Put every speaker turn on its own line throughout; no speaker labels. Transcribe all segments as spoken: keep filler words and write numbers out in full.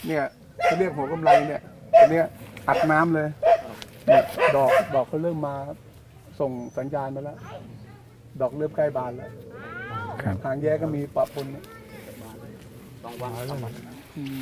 เนี่ยเขาเรียกหัวกำไรเนี่ยอันเนี้ยอัดน้ำเลยเนี่ยดอกดอกเขาเริ่มมาส่งสัญญาณมาแล้วดอกเริ่มใกล้บานแล้วหางแย้ก็มีปะปนเนี่ย
ต้องวางสองวัน
อืม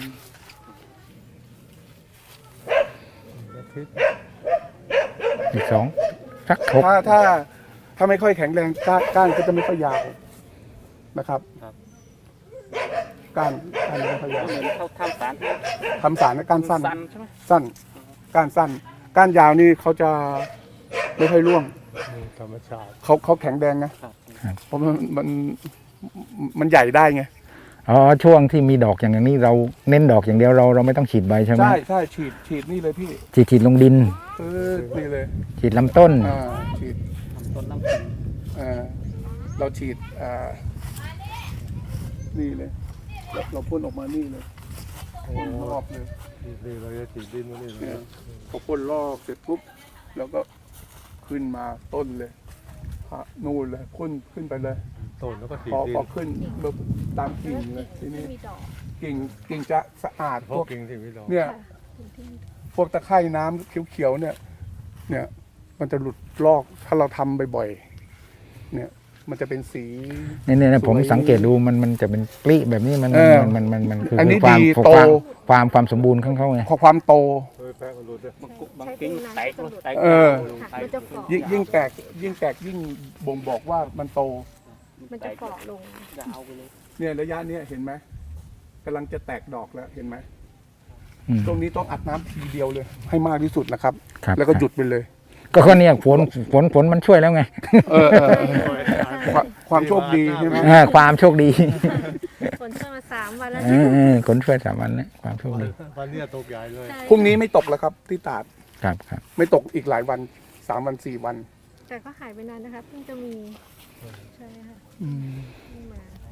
อีกสองสักหก
ถ้าถ้าถ้าไม่ค่อยแข็งแรงก้านก้านก็จะไม่ค่อยยาวนะครับก้านก้านไม่ค่อยยาว
เหมือนเขาทำสาร
ทำสารก้านสั้น
สั้นใช่ไหม
สั้นก้านสั้นก้านยาวนี่เขาจะไม่ค่อยร่วง
ธรรมชาติ
เขาเขาแข็งแรงนะเพราะมันมันมันใหญ่ได้ไง
อ๋อช่วงที่มีดอกอย่างนี้เราเน้นดอกอย่างเดียวเราเราไม่ต้องฉีดใบใช่ไหม
ใช่ใช่ฉีดฉีดนี่เลยพี่
ฉีดฉีดลงดิน
เออนี่เลย
ฉีดลำต้น
อ่าฉีด
ทำต้นน้ำผึ้ง
อ่าเราฉีดอ่านี่เลยเราเราพ่นออกมานี่เลยพ่นรอบเลย
นี่เราจะฉีดดินมานี่เล
เนี่ย
ย
พอพ่นรอบเสร็จปุ๊บแล้วก็ขึ้นมาต้นเลยพะนู่นเลยพ่นขึ้นไปเลย
ต้นแล้วก็ฉี
พ
ด
อ
ดิ
พอน ขึ้นปุ๊บตามกิ่งเลยทีนี้
มีดอก
กิ่งกิ่งจะสะอาด
เพ
พ
ราะ
วก
กิ่งที่ไม่ดอก
เนี่ย
ค่ะถึงที่มีดอก
พวกตะไคร่น้ำเขียวๆเนี่ย เนี่ย มันจะหลุดลอกถ้าเราทำบ่อยๆเนี่ย มันจะเป็นสี
เนี่ยเนี่ยผม
สวย
สังเกตดูมันมันจะเป็นกลีแบบนี้มัน
เออ
มันมันมันมันคือ
อันนี้
ความ
ดี
ความ
โต
ความความสมบูรณ์ของเขาไง
พอความโต
เฮ้ยแป๊ะมันรู้ด้วย
บางกุบางกิ้งแตกแตก
เออ
ค่ะมันจะเกาะ
ยิ่งยิ่งแตกยิ่งแตกยิ่งบ่งบอกว่ามันโต
มันจะเกาะลง
จะเอาไปเลย
เนี่ยระยะเนี้ยเห็นไหมกำลังจะแตกดอกแล้วเห็นไหม
อืม
ตรงนี้ต้องอัดน้ำทีเดียวเลย ให้มากที่สุดนะครับ
ครับ
แล้วก็หยุดไปเลย
ก็ก็เนี่ยฝนฝนฝนมันช่วยแล้วไง
เออเออเออความความโชคดีใช่ไหม
เออความโชคดี
ฝนเข้ามาสามวันแล้ว
เออเออฝนช่วยสามวันนะความโชคดี
วันเนี้ยตกใหญ่เลย
ใช่
พรุ่งนี้ไม่ตกแล้วครับ ที่ตราด
ครับครับ
ไม่ตกอีกหลายวันสามวันสี่วัน
แต่ก็หายไปนานนะคะเพิ่งจะมีใช่ค่ะ
อืม
เพิ่งมา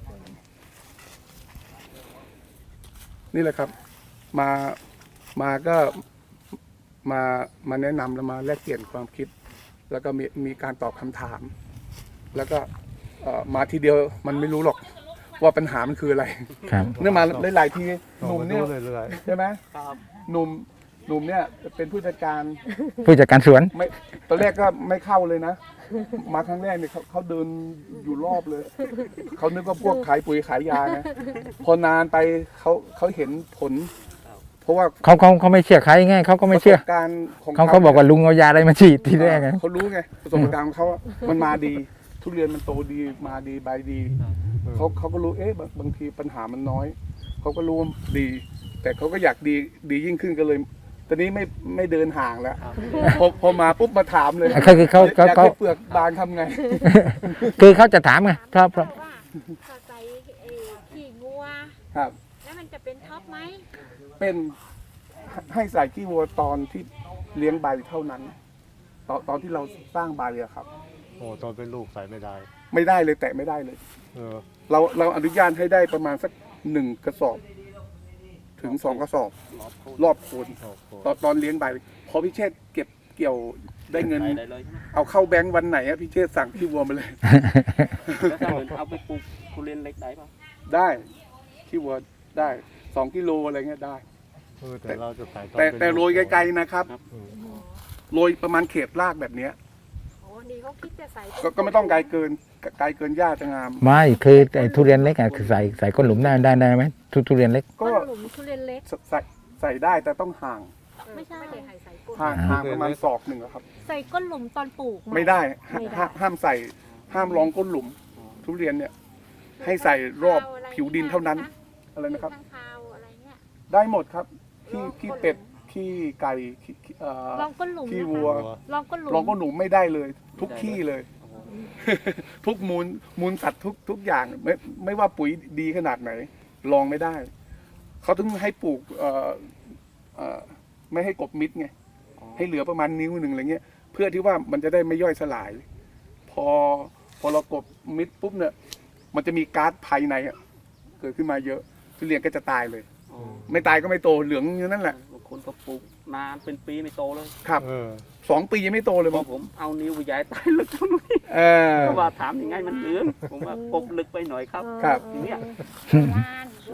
นี่แหละครับ มา มาก็มา มาแนะนำแล้วมาแลกเปลี่ยนความคิด แล้วก็มีมีการตอบคำถาม แล้วก็เอ่อมาทีเดียวมันไม่รู้หรอกว่าปัญหามันคืออะไร
ครับ
เนื่องมาหลายๆทีห
หนุ่
นุ่
ม
ม
เนี่
เนี่ย ย
เลยเลย
ใช่ไหม
ครับ
หนุ่มหนุ่มเนี่ยเป็นผู้จัดการ
ผู้จัดการสวน
ไม่ตอนแรกก็ไม่เข้าเลยนะ มาครั้งแรกเนี่ยเขาเขาเดินอยู่รอบเลย เขานึกว่าพวกขายปุ๋ยขายยานะ พอนานไปเขาเขาเห็นผล เพราะว่า
เขาเขาเขาไม่เชื่อใครไงเขาก็ไม่เชื่อ
ประสบการณ์ของ
เขาเขาบอกว่าลุงเอายาอะไรมาฉีดทีแรกไง
เขารู้ไงประสบการณ์ของเขาอะมันมาดี ทุเรียนมันโตดีมาดีใบดีเขาเขาก็รู้เอ๊ะบางบางทีปัญหามันน้อยเขาก็รู้ว่าดี แต่เขาก็อยากดีดียิ่งขึ้นก็เลย ตอนนี้ไม่ไม่เดินห่างแล้วพอพอมาปุ๊บมาถามเลย
คือคือเขา
อยาก
เขา
ให้เปลือกบางทำไง
คือเขาจะถามไงเพราะเพราะ
ว่าถ้าใส่เอ่อขี้งัว
ครับ
แล้วมันจะเป็นท็อปไหม
เป็นให้ใส่ขี้วัวตอนที่เลี้ยงใบเท่านั้น ตอนตอนที่เราสร้างใบอะครับ
โอ้ตอนเป็นลูกใส่ไม่ได้
ไม่ได้เลยแตะไม่ได้เลย
เออ
เราเราอนุญาตให้ได้ประมาณสักหนึ่งกระสอบ ถึงสองกระสอบ
รอบโคน
รอบโคน
โอ้โห
ตอนตอนเลี้ยงใบพอพี่เชษฐ์เก็บเกี่ยวได้เงิน
ใส่ได้เลยใช่ไหม
เอาเข้าแบงค์วันไหนอะพี่เชษฐ์สั่งขี้วัวมาเลย
แล้วถ้าเหมือนเอาไปปลูกทุเรียนเล็กได้ป่ะ
ได้ขี้วัวได้สองกิโลอะไรเงี้ยได้
เออแต่เราจะใส่อน
แต่
เป็น
แต่โรยไกลๆนะครับ
เออ
โรยประมาณเขตรากแบบเนี้ย
โอ้ดีเขาคิดจะใส่
ก็ก็ไม่ต้องไกลเกินไกลเกินหญ้าจะงาม
ไม่คือไอ้ทุเรียนเล็กอ่ะคือใส่ใส่ก้นหลุมได้ได้ได้ไหมทุทุเรียนเล็ก
ก็
ก็
หลุมทุเรียนเล็ก
ใส่ใส่ได้แต่ต้องห่าง
ไม่ใช่ไม่ได้ใส่ใส่ก้น
ห่างห่างประมาณศอกหนึ่งอะครับ
ใส่ก้นหลุมตอนปลูก
ไม่ได้
ไม่ได้
ห้าห้ามใส่ห้ามรองก้นหลุม ทุเรียนเนี่ย ให้ใส่รอบผิวดินเท่านั้น อะไรนะครับ
ข้างคาวอะไรเงี้ย
ได้หมดครับขี้ขี้เป็ดขี้ไก่ขี้ขี้เอ่อ
ลองก้นหลุม
ขี้
นะคะ
วัว
ลองก้นหลุม
รองก้นหลุมไม่ได้เลย ทุกขี้เลย ทุกมูลมูลสัตว์ทุกทุกอย่างไม่ไม่ว่าปุ๋ยดีขนาดไหนลองไม่ได้ เขาถึงให้ปลูกเอ่อเอ่อไม่ให้กบมิดไงให้เหลือประมาณนิ้วหนึ่งอะไรเงี้ย เพื่อที่ว่ามันจะได้ไม่ย่อยสลาย พอพอเรากบมิดปุ๊บเนี่ย มันจะมีก๊าซภายในอะเกิดขึ้นมาเยอะทุเรียนก็จะตายเลย
อ๋อ
ไม่ตายก็ไม่โตเหลืองอยู่นั่นแหละ
บางคนก็ปลูกนานเป็นปีไม่โตเลย
ครับ
เออ
สองปียังไม่โตเลย
พ
มั้
อง ผมเอานิ้วไปย้ายใต้ลึกตรงนี้
เออ
เพราะว่าถามยังไงมันเหลืองผมว่ากบลึกไปหน่อยครับ
ครับ
ทีเนี้ย
ประมาณ
เ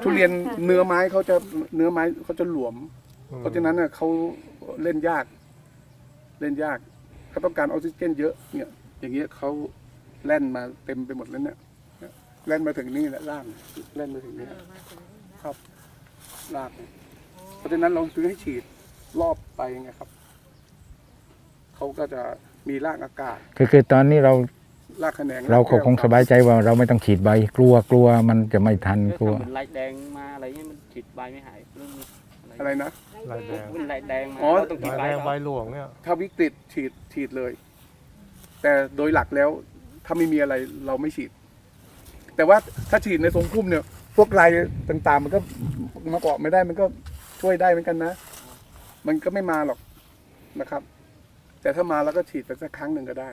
ทุเรียนเนื้อไม้เขาจะเนื้อไม้เขาจะหลวม เพราะฉะนั้นเน่ะเขาเล่นยาก เล่นยากเขาต้องการออกซิเจนเยอะเนี่ย อย่างเงี้ยเขาแล่นมาเต็มไปหมดแล้วเนี่ยแล่นมาถึงนี่แหละล่างแล่นมาถึงนี่ครับลากเพราะฉะนั้นเราถึงให้ฉีดรอบไปไงครับเขาก็จะมีรากอากาศ
คือคือตอนนี้เรา
รากแขนง
เราคงสบายใจว่าเราไม่ต้องฉีดใบกลัวกลัวมันจะไม่ทันกลัว
ถ้าเป็นลายแดงมาอะไรเงี้ยมันฉีดใบไม่หายเรื่องนี้
อะไรนะ
ลายแดง
เป็นลายแดงมา
อ๋อ
เราต้องฉีด
ลาย
ใบ
แดง
เขา
ใบหลวงเนี่ย
ถ้าวิกฤตฉีดฉีดเลย แต่โดยหลักแล้ว ถ้าไม่มีอะไรเราไม่ฉีด แต่ว่าถ้าฉีดในทรงพุ่มเนี่ย พวกลายต่างๆ มันก็มาเกาะไม่ได้มันก็ช่วยได้เหมือนกันนะ มันก็ไม่มาหรอกนะครับ แต่ถ้ามาแล้วก็ฉีดไปสักครั้งหนึ่งก็ได้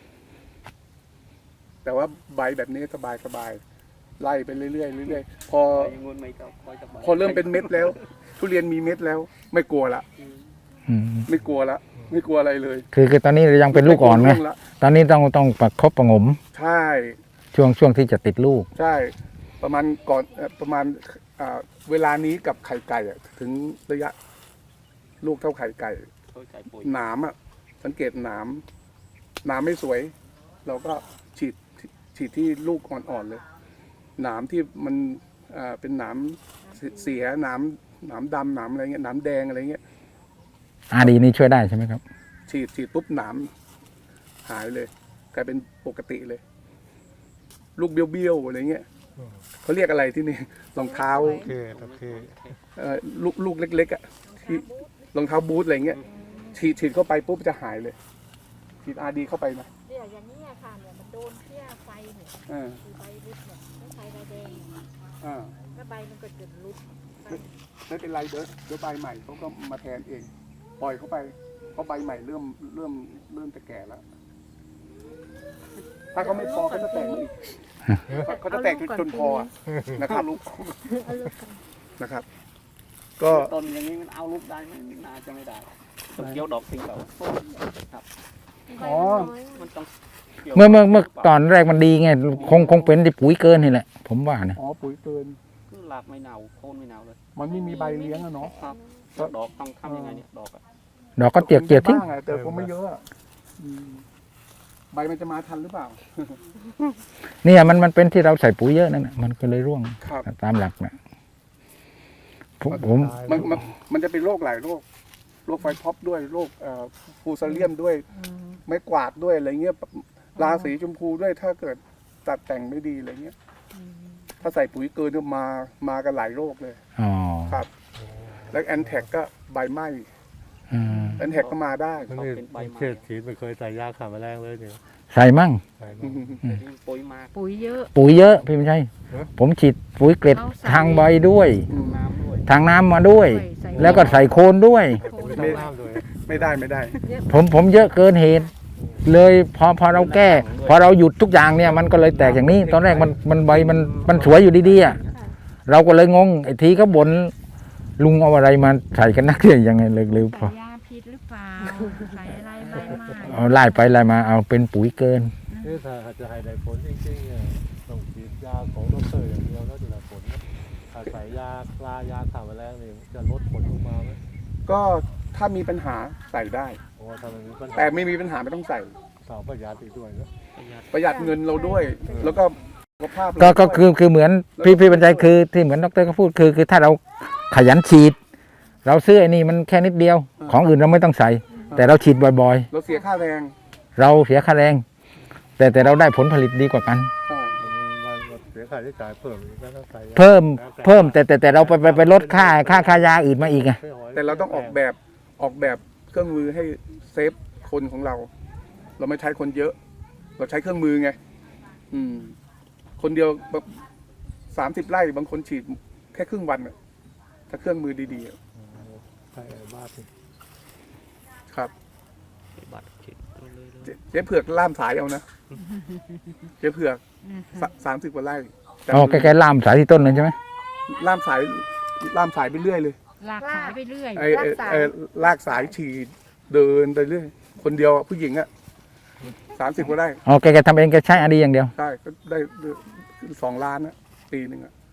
แต่ว่าใบแบบนี้สบายสบายๆไล่ไปเรื่อยๆเรื่อยๆพอ
ใบงนไม่ก็คอยจะใบ
พอเริ่มเป็นเม็ดแล้ว ทุเรียนมีเม็ดแล้ว ไม่กลัวละ
อืม
ไม่กลัวละไม่กลัวอะไรเลย
คือคือตอนนี้เรายังเป็นลูกอ่อนไง
ม่วงละ
ตอนนี้ต้องต้องประคบประหงม
ใช่
ช่วงช่วงที่จะติดลูก
ใช่ ประมาณก่อนเอ่อประมาณอ่าเวลานี้กับไข่ไก่อะถึงระยะ ลูกเท่าไข่ไก่
เขาใส่ปุ๋ย
หนามอ่ะ สังเกตหนามหนามไม่สวย เราก็ฉีดฉีดที่ลูกอ่อนๆเลย หนามที่มันอ่าเป็นหนามเสียหนามหนามดำหนามอะไรเงี้ยหนามแดงอะไรเงี้ย
อาดีนี่ช่วยได้ใช่ไหมครับ
ฉีดฉีดปุ๊บหนามหายเลย กลายเป็นปกติเลย ลูกเบี้ยวๆอะไรเงี้ยเขาเรียกอะไรที่นี่รองเท้า
โอเคโอเค
เอ่อลูกลูกเล็กๆอ่ะที่รองเท้าบูทอะไรเงี้ยฉีดฉีดเข้าไปปุ๊บจะหายเลย ฉีดอาดีเข้าไปนะ
เนี่ยอย่างนี้ยค่ะเนี่ยมันโดนเพี้ยไฟเนี่ย
อ่า
คือใบรุดเนี่ยไม่ใช่ใบแดงเนี่ย
อ่า
แล้วใบมันก็จะรุดไป
ไม่เป็นไรเดี๋ยวเดี๋ยวใบใหม่เขาก็มาแทนเอง ปล่อยเข้าไปเพราะใบใหม่เริ่มเริ่มเริ่มจะแก่แล้ว ถ้าเขาไม่พอเขาจะแตกมาอีกเขาจะแตกจนจนพอนะครับ
ลูก
เอาลูกกัน
นะครับ ก็
ต้นอย่างนี้มันเอาลูกได้ไหมน่าจะไม่ได้ต้องเกี่ยวดอกทิ้งเขาครับ
ใบ
อ๋อ
มันน้อยอะ
มันต้องกี่ยว
เมื่อเมื่อเมื่อตอนแรกมันดีไงคงคงเป็นที่ปุ๋ยเกินนี่แหละ ผมว่านะ
อ๋อปุ๋ยเกิน
คือหลากไม่เน่าโคนไม่เน่าเลย
มันไม่มีใบเลี้ยงอะเนาะ
ครับแล้วดอกต้องทำยังไงเนี่ยดอกอะ
ดอกก็เจียกเจียกทิ้ง
บ้างอะแต่ผมไม่เยอะอะอืมใบมันจะมาทันหรือเปล่า
เนี่ยมันมันเป็นที่เราใส่ปุ๋ยเยอะนั่นน่ะมันก็เลยร่วง
ครับ
ตามหลักนะผมผม
มันมันมันจะเป็นโรคหลายโรค โรคไฟท็อปด้วย โรคเอ่อฟูซาเลียมด้วย ไม้กวาดด้วยอะไรเงี้ย ราสีชมพูด้วย ถ้าเกิดตัดแต่งไม่ดีอะไรเงี้ย ถ้าใส่ปุ๋ยเกินก็มา มากันหลายโรคเลย
อ๋อ
ครับ แล้วแอนแท็กก็ใบไหม้
อืม
แอนแท็กก็มาได้
มันนี่เขตฉีดไม่เคยใส่ยาฆ่าแมลงเลยเนี่ย
ใส่มั่ง
ใส่
อื
มาม
แต่ที่ปุ๋ยมาก
ปุ๋ยเยอะ
ปุ๋ยเยอะพี่ไม่ใช่ ผมฉีดปุ๋ยเกล็ด
เอาใส่
ทางใบด้วย
น้ำด้วย
ทางน้ำมาด้วย
ใส่
แล้วก็ใส่โคนด้วย
ปุ๋ยทำน้ำด้วย
ไม่ได้ไม่ได้
ผมผมเยอะเกินเหตุ เลยพอพอเราแก้ พอเราหยุดทุกอย่างเนี่ยมันก็เลยแตกอย่างนี้ ตอนแรกมันมันใบมันมันสวยอยู่ดีๆอ่ะเราก็เลยงงไอ้ทีก็บ่นลุงเอาอะไรมาใส่กันนักเนี่ยยังไงเลยเลยพ
ใส่
อย
าพิษหรือเปล่า ใส่อะไรใบไม้
เอาไล่ไปไล่มาเอาเป็นปุ๋ยเกิน
นี่ถ้าจะให้ได้ผลจริงๆเนี่ยต้องฉีดยาของดรอย่างเดียวแล้วจะได้ผลนะถ้าใส่ยาปลายาฆ่าแมลงนี่จะลดผลลงมาไหม
ก็ถ้ามีปัญหาใส่ได้
เพราะว่าถ้ามันมีปัญหา
แต่ไม่มีปัญหาไม่ต้องใส่
สาวประหยัดอีกด้วยนะ
ประหยัดเงินเราด้วย แล้วก็สุขภาพเรา
ก็ก็
ด้วย
คือคือเหมือนพี่พี่บรรจัยคือที่เหมือนดรก็พูดคือคือถ้าเราขยันฉีด เราซื้อไอ้นี่มันแค่นิดเดียว ของอื่นเราไม่ต้องใส่ แต่เราฉีดบ่อย
เราเสียค่าแรง
ๆ เราเสียค่าแรง แต่แต่เราได้ผลผลิตดีกว่ากัน
ใช่
มันมันเสียค่าใช้จ่ายเพิ่มอีกแล้วถ้าใส่ยา
เพิ่มเพิ่มแต่แต่แต่เราไปไปไปลดค่าค่าค่ายาอื่นมาอีกไง
ไม่หย
แต่เราต้องออกแบบออกแบบเครื่องมือให้เซฟคนของเรา เราไม่ใช้คนเยอะ เราใช้เครื่องมือไง อืม คนเดียวสามสิบไร่บางคนฉีดแค่ครึ่งวันน่ะถ้าเครื่องมือดีๆอะ
ใช่บ้าสิ
ครับ
บัตรฉีดเลยเลย
เจ๊เจ๊เผือกล่ามสายเอานะ เจ๊เผือกสามสิบกว่าไร่แต่
อ๋อแกแกล่ามสายที่ต้นเลยใช่ไหม
ล่ามสายล่ามสายไปเรื่อยเลย
ลากสายไปเรื่อย
ไอ้ไอ้ไอ้ลากสายฉีดเดินไปเรื่อย คนเดียวอะผู้หญิงอะสามสิบกว่าไร่
อ๋อแกแกทำเองแกใช้อดีอย่างเดียว
ใช่ก็ได้สองล้านนะปีหนึ่งอะ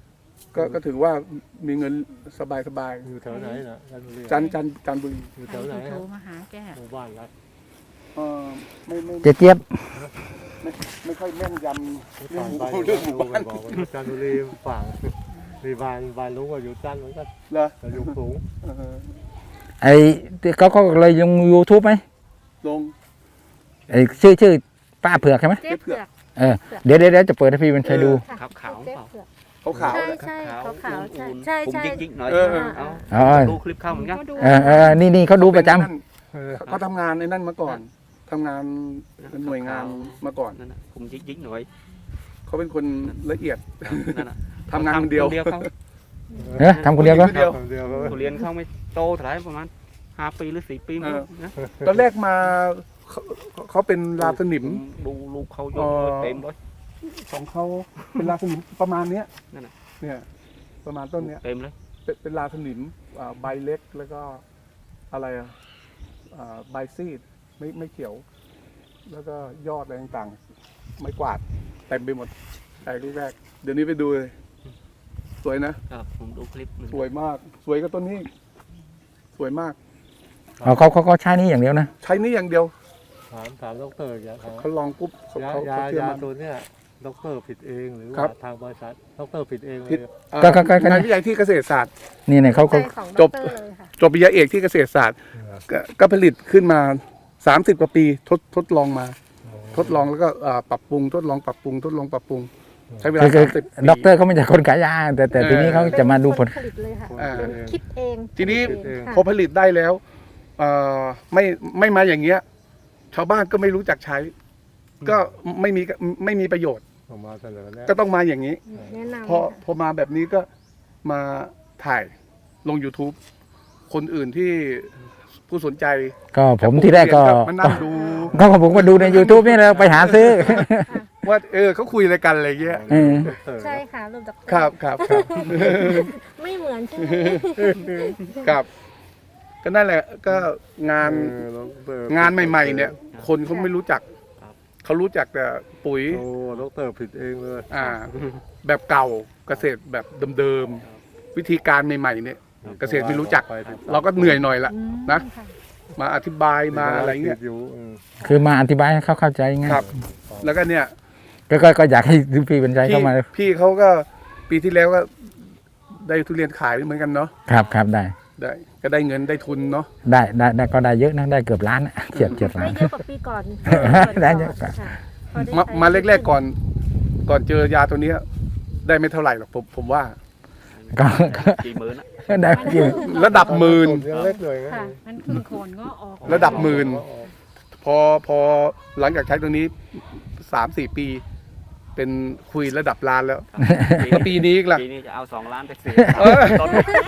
ก็ก็ถือว่ามีเงินสบายสบาย
อยู่แถวไหนนะจันทบุรี
ๆจันทร์จันทร์จันทบุรี
อยู่
ใค
แถ
ร
วไหน
จะโทร
ฮะ
มาหาแก
หมู่บ้านรัก
เออไม่ไม่
เจ๊เจี๊ยบ
ไม่ไม่ค่อยแม่นยำเรื่อง
ผ่าน
หมู่
ไป
เรื่องหมู่บ้าน
บอกว่าจันทบุรีฝั่งมีบ้านบ้านลุงก็อยู่จันทร์เหมือนกัน
เหรอ
แต่อยู่สูง
เออ
ไอ้เขาเขาเลยลง YouTube ไหม
ลง
ไอ้ชื่อชื่อป้าเผือกใช่ไหม
เจ๊เผือก
เออเดี๋ยวเดี๋ยวเดี๋ยวจะเปิดให้พี่มันใช้ดู
ค่ะ
ขาวขาว
เจ๊
เปล่า
เผือก
ขาวขาว
ใช่
ๆนะ
ใช่ขาวขาวๆใช่
อุ่นๆ
ใช่
ผม
ใช่
ยิกๆหน่อย
เออเออ
เอา
อ๋อ
ดูคลิปเข้าเหมือนกัน
ก็ดู
เออเออนี่นี่เขาดูประจำ
เออ
เขาทำงานในนั่นมาก่อนทำงานเป็นหน่วยงานมาก่อน
นั่นน่ะผมยิกยิกๆหน่อย
เขาเป็นคนละเอียด
นั่นน่ะ
ทำงานคนเดียว
เดียวเขา
เออทำคนเดียวก็
เดียว
คนเดียวก็
ทุเรียนเขาไม่โตเท่าไหร่ประมาณห้าปีหรือสี่ปีมั้ง
เออ
นะ
ตอนแรกมาเขาเขาเป็นลาสนิม
ผดูลูกเขาย
อ๋
ก
อ
เต็มเลย
ของเขาเป็นลาสนิมประมาณเนี้ย
นั่นน่ะ
เนี่ยประมาณต้นเนี้ย
เต็มเลย
เป็นเป็นลาสนิมอ่าใบเล็กแล้วก็อะไรอ่ะอ่าใบซีดไม่ไม่เขียว แล้วก็ยอดอะไรต่างๆ ไม่กวาดเต็มไปหมดแต่ลูกแรก เดี๋ยวนี้ไปดูเลย สวยนะ
ครับผมดูคลิปหนึ่ง
สวยมาก สวยก็ต้นนี้ สวยมาก
อ๋อเขาเขาเขาใช้นี่อย่างเดียวนะ
ใช้นี่อย่างเดียว
ถามถามดรอย่างเขา
เขาลองปุ๊บเขา
ยา
เขา
ยา
เขาเชื่อย
า
มัน
ตัวเนี้ยดรผิดเองหรือ
ครั
ว่า
บ
ทางบริษัทดรผิดเองเล
ผิด
ย
อ่า
ก็ก็ก็ก็
งานวิจัยที่เกษตรศาสตร์
นี่เนี่ยเขาเขา
ใจของ
จ
ด
บ
รเลยค่ะ
จบปริญญาเอกที่เกษตรศาสตร์ ก็ก็ผลิตขึ้นมาสามสิบกว่าปีทดทดลองมา ทดลองแล้วก็อ่าปรับปรุง ทดลองปรับปรุง ทดลองปรับปรุง ใช้เวลา
คือคือ
สามสิบปี
ด็อกเตอร์เขาไม่ใช่คนขายยาแต่แต่ทีนี้เขาจะมาดูผล
เป็นคนผลิตเลยค่ะ
อ่า
เป็นคิดเอง
ทีนี้
เองค่ะ
พอผลิตได้แล้วเอ่อไม่ไม่มาอย่างเงี้ย ชาวบ้านก็ไม่รู้จักใช้ ก็ไม่มีไม่มีประโยชน์
ออกมาเสนอแนะ
ก็ต้องมาอย่างนี้
แนะนำ
พอพอมาแบบนี้ก็มาถ่ายลง YouTube คนอื่นที่ผู้สนใจ
ก็ผมที่แรกก็
มานั่งดู
ก็ผมก็ดูใน YouTube นี่แหละไปหาซื้อ
ว่าเออเขาคุยอะไรกันอะไรเงี้ย
เออ
ดร
ใช่ค่ะรูปดอกเตอ
ครับครับครับ
ไม่เหมือนใช่ไหม
ครับ ก็นั่นแหละก็งาน
เออดร
งานใหม่ ๆ เนี่ย คนเขาไม่รู้จัก เขารู้จักแต่ปุ๋ย
โอ้ดรผิดเองเลย
อ่า แบบเก่าเกษตรแบบเดิมๆวิธีการใหม่ๆเนี่ย เกษตรไม่รู้จัก เราก็เหนื่อยหน่อยละ
อืม
นะ
ค่ะ
มาอธิบายมาอะไรเงี้ย
ผิดอยู่เออ
คือมาอธิบายให้เขาเข้าใจง่าย
ครับ แล้วก็เนี่ย
ก็ก็ก็อยากให้พี่บรรจัย
พี่
เข้ามา
พี่เขาก็ปีที่แล้วก็ได้ทุเรียนขายเหมือนกันเนาะ
ครับครับได้
ได้ก็ได้เงินได้ทุนเนาะ
ได้ได้ได้ก็ได้เยอะนะได้เกือบล้านอะเฉียดเฉียดล้า
ได้
น
เยอะกว่าปีก่อน
ได้เยอะกว่า
ค่ะพอได้
มา
ใช้
มาแรกๆก่อน ก่อนเจอยาตัวเนี้ยได้ไม่เท่าไหร่หรอกผมผมว่า
ก็ก็
กี่หมื่นอะ
ได้จริง
ระดับหมื่น
ยังเล็กเลยไง
ค่ะ
มันเพิ่งโคนก็ออก
ระดับหมื่น พอพอหลังจากใช้ตัวนี้สามสี่ปี เป็นคุยระดับล้านแล้ว แล้วปีนี้อีกล่ะ
ปีนี้จะเอาสองล้านไปซื้อ
เออ
ต้น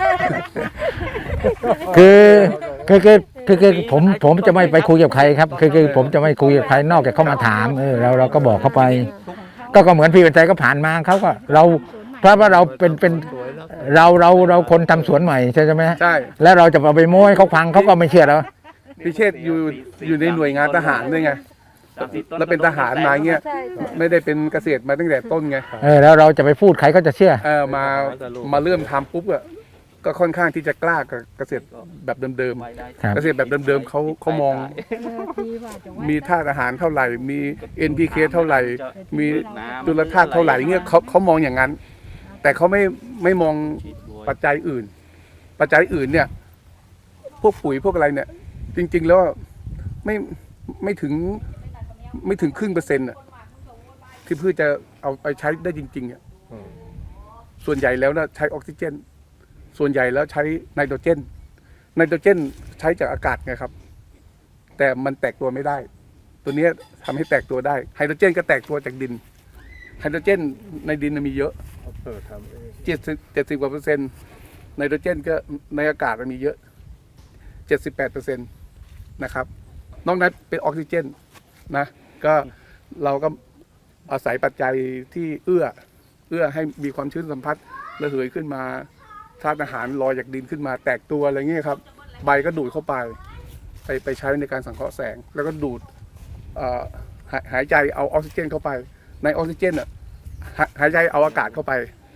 คือคือคือคือคือผมผมจะไม่ไปคุยกับใครครับ คือคือผมจะไม่คุยกับใครนอกจากเขามาถามเออเราเราก็บอกเขาไป ก็ก็เหมือนพี่บรรจัยก็ผ่านมาเขาก็เราเพราะว่าเราเป็นเป็นเราเราเราคนทำสวนใหม่ใช่ไหมฮะ
ใช่
แล้วเราจะเอาไปโม้ให้เขาฟังเขาก็ไม่เชื่อเรา
พิเชษอยู่อยู่ในหน่วยงานทหารด้วยไง
สามสิบต้
แล้วเป็นทหารมาเงี้ย
ใช่ใช่
ไม่ได้เป็นเกษตรมาตั้งแต่ต้นไง
เออแล้วเราจะไปพูดใครก็จะเชื่อ
เออมามาเริ่มทำปุ๊บอะก็ค่อนข้างที่จะกล้ากับเกษตรแบบเดิม
ไว้ได้
ครับ
ๆเกษตรแบบเดิมๆเขาเขามอง มีธาตุอาหารเท่าไหร่ มี เอ็น พี เค เท่าไหร่ มีจุลธาตุเท่าไหร่เงี้ยเขาเขามองอย่างนั้น แต่เขาไม่ไม่มองปัจจัยอื่น ปัจจัยอื่นเนี่ย พวกปุ๋ยพวกอะไรเนี่ย จริง ๆ แล้วไม่ไม่ถึงไม่ถึงครึ่งเปอร์เซ็นต์อะที่พืชจะเอาไปใช้ได้จริงๆอะ
อืม
ส่วนใหญ่แล้วนะใช้ออกซิเจน ส่วนใหญ่แล้วใช้ไนโตรเจน ไนโตรเจนใช้จากอากาศไงครับ แต่มันแตกตัวไม่ได้ ตัวเนี้ยทำให้แตกตัวได้ ไฮโดรเจนก็แตกตัวจากดิน ไฮโดรเจนในดินน่ะมีเยอะ
ดรทำเอง
เจ็ดสิบเจ็ดสิบกว่าเปอร์เซ็นต์ ไนโตรเจนก็ในอากาศมันมีเยอะเจ็ดสิบแปดเปอร์เซ็นต์นะครับ นอกนั้นเป็นออกซิเจนนะ ก็เราก็อาศัยปัจจัยที่เอื้อ เอื้อให้มีความชื้นสัมผัสระเหยขึ้นมาธาตุอาหารลอยจากดินขึ้นมาแตกตัวอะไรเงี้ยครับ ใบก็ดูดเข้าไป ไปไปใช้ในการสังเคราะห์แสง แล้วก็ดูดเอ่อหายหายใจเอาออกซิเจนเข้าไป ในออกซิเจนอ่ะหาหายใจเอาอากาศเข้าไป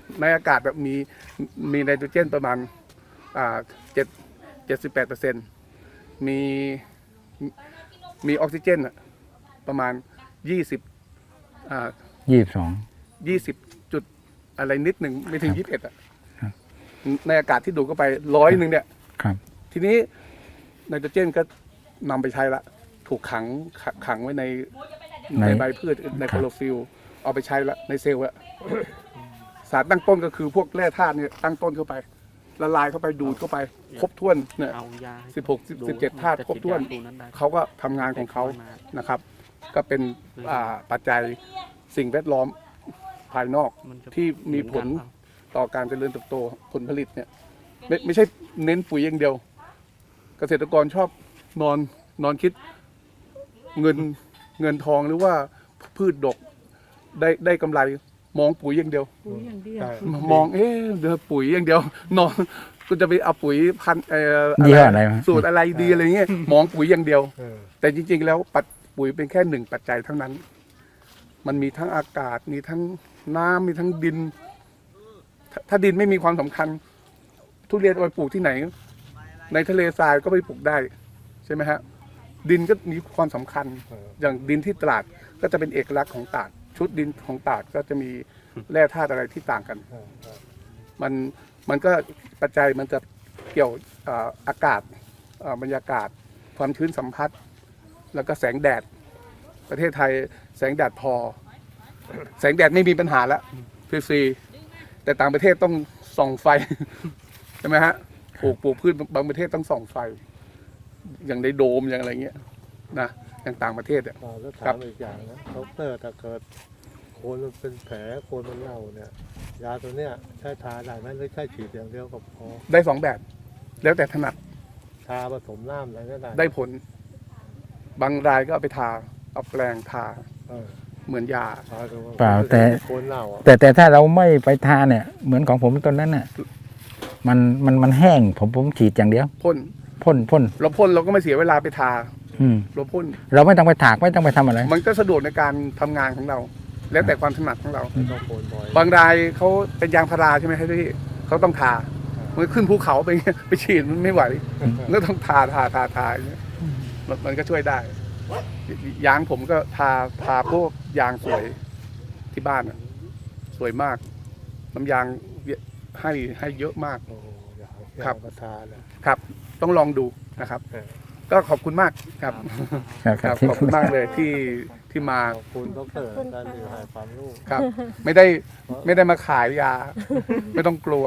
ในอากาศแบบมีมีไนโตรเจนประมาณอ่าเจ็ดเจ็ดสิบแปดเปอร์เซ็นต์มีมีออกซิเจนอะประมาณยี่สิบอ่า
ยี่สิบสอง
ยี่สิบจุดอะไรนิดหนึ่งไม่ถึงยี่สิบเอ็ดอะ
ครับ
ในอากาศที่ดูดเข้าไปร้อยหนึ่งเนี่ย
ครับ
ทีนี้ไนโตรเจนก็นำไปใช้ละถูกขังขะขังไว้ใน
ใน
ในใบพืชในโคลอฟิลเอาไปใช้ละในเซลล์ละสารตั้งต้นก็คือพวกแร่ธาตุเนี่ยตั้งต้นเข้าไปละลายเข้าไปดูดเข้าไปครบถ้วนเนี่ย
เอายาให้
สิบหกสิบเจ็ดธาตุครบถ้วน
จะฉีดยาตัวนั้นได้
เขาก็ทำงานของเขานะครับ ก็เป็นอ่าปัจจัยสิ่งแวดล้อมภายนอก
มันจะ
ที่มีผลต่อการเจริญเติบโตผลผลิตเนี่ยไม่ไม่ใช่เน้นปุ๋ยอย่างเดียว เกษตรกรชอบนอนนอนคิดเงินเงินทองหรือว่าพืชดกได้ได้กำไรมองปุ๋ยอย่างเดียว
ปุ๋ยอย่างเดียว
ใช่
มองเอ๊ะเดี๋ยวปุ๋ยอย่างเดียวนอนก็จะไปเอาปุ๋ยพันธุ์เอ่อ
ยี่ห้ออะไรวะ
สูตรอะไรดีอะไรเงี้ยมองปุ๋ยอย่างเดียว
เออ
แต่จริงๆแล้วปัจปุ๋ยเป็นแค่หนึ่งปัจจัยเท่านั้น มันมีทั้งอากาศมีทั้งน้ำมีทั้งดิน ถ้าถ้าดินไม่มีความสำคัญ ทุเรียนเอาไปปลูกที่ไหน ในทะเลทรายก็ไปปลูกได้ใช่ไหมฮะดินก็มีความสำคัญ
เออ
อย่างดินที่ตราดก็จะเป็นเอกลักษณ์ของตราดชุดดินของตราดก็จะมีแร่ธาตุอะไรที่ต่างกัน
เออเออ
มันมันก็ปัจจัยมันจะเกี่ยวอ่าอากาศอ่าบรรยากาศ ความชื้นสัมผัส แล้วก็แสงแดด ประเทศไทยแสงแดดพอ แสงแดดไม่มีปัญหาแล้วฟรีๆแต่ต่างประเทศต้องส่องไฟ ใช่ไหมฮะปลูกปลูกพืชบางประเทศต้องส่องไฟ อย่างในโดมอย่างอะไรเงี้ยนะอย่างต่างประเทศอ่ะ
อ่าแล้ว
ครั
ถาม
บ
อีกอย่างนะดอกเตอร์ถ้าเกิดโคนมันเป็นแผลโคนมันเน่าเนี่ย ยาตัวเนี้ยใช้ทาได้ไหมหรือใช้ฉีดอย่างเดียวก็พอ
ได้สองแบบ แล้วแต่ถนัด
ทาผสมน้ำอะไรก็ได้
ได้ผล บางรายก็เอาไปทาเอาแปรงทา
เออ
เหมือนยา
ทาดูว่
เปล่าแต่
โคนเน่าอ่ะ
แต่แต่ถ้าเราไม่ไปทาเนี่ย เหมือนของผมตอนนั้นน่ะมันมันมันแห้งผมผมฉีดอย่างเดียว
พ่น
พ่นพ่น
เราพ่นเราก็ไม่เสียเวลาไปทา
อืม
เราพ่น
เราไม่ต้องไปถากไม่ต้องไปทำอะไร
มันก็สะดวกในการทำงานของเรา แล้วแต่ความถนัดของเรา
ไม่ต้องโคนบ่อย
บางรายเขาเป็นยางพาราใช่ไหมครับพี่เขาต้องทามันขึ้นภูเขาไปเงี้ยไปฉีดมันไม่ไหวมันก็ต้องทาทาทาทาอย่างเงี้ยมันมันก็ช่วยได้ ยางผมก็ทาทาพวกยางสวยที่บ้านอะสวยมาก น้ำยางให้ให้เยอะมาก
โอ้โหอยากอยาก
ครับ
มาทาเลย
ครับ ต้องลองดูนะครับ
เออ
ก็ขอบคุณมากครับ
ครับ
ครับขอบคุณมากเลยที่ที่มา
ขอบคุณดอกเตอร์ท่านที่ให้ความรู้
ครับ ไม่ได้ไม่ได้มาขายยา ไม่ต้องกลัว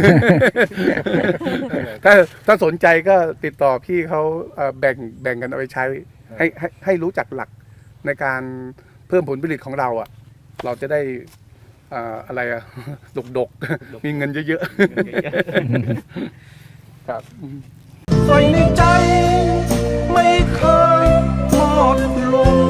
ถ้าถ้าสนใจก็ติดต่อพี่เขาเอ่อแบ่งแบ่งกันเอาไปใช้ ให้ให้ให้รู้จักหลักในการเพิ่มผลผลิตของเราอ่ะ เราจะได้อ่าอะไรอ่ะ ดกดกๆ มีเงินเยอะๆ ครับ
ใส่ในใจไม่เคยหมดลง